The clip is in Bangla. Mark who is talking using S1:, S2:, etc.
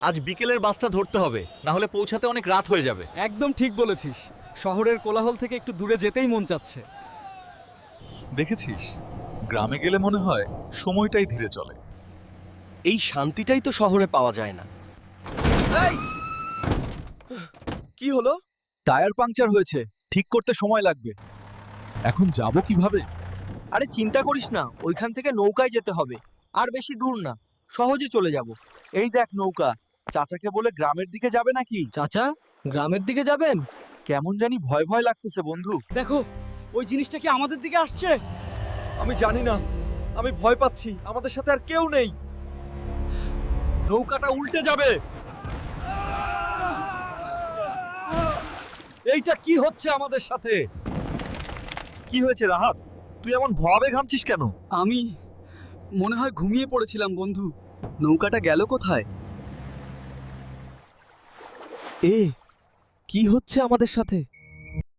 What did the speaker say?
S1: আজ বিকেলের বাসটা ধরতে হবে, না হলে পৌঁছাতে অনেক রাত হয়ে যাবে।
S2: একদম ঠিক বলেছিস। শহরের কোলাহল থেকে একটু দূরে যেতেই মন চাচ্ছে।
S3: দেখেছিস, গ্রামে গেলে মনে হয় সময়টাই ধীরে চলে।
S4: এই শান্তিটাই তো শহরে পাওয়া যায় না। কি হলো?
S3: টায়ার পাংচার হয়েছে, ঠিক করতে সময় লাগবে। এখন যাব কিভাবে?
S4: আরে চিন্তা করিস না, ওইখান থেকে নৌকায় যেতে হবে। আর বেশি দূর না, সহজে চলে যাব। এই দেখ নৌকা। চাচাকে বলে গ্রামের দিকে যাবে নাকি?
S2: চাচা, গ্রামের দিকে যাবেন?
S4: কেমন জানি ভয় ভয় লাগতেছে বন্ধু।
S2: দেখো, ওই জিনিসটা কি আমাদের দিকে আসছে?
S4: আমি জানি না, আমি ভয় পাচ্ছি। আমাদের সাথে আর কেউ নেই।
S3: নৌকাটা উল্টে যাবে। এইটা কি হচ্ছে আমাদের সাথে? কি হয়েছে রাহাত? তুই এমন ভয়াবে ঘামছিস কেন?
S2: আমি মনে হয় ঘুমিয়ে পড়েছিলাম বন্ধু। নৌকাটা গেল কোথায়?
S4: কি হচ্ছে আমাদের সাথে?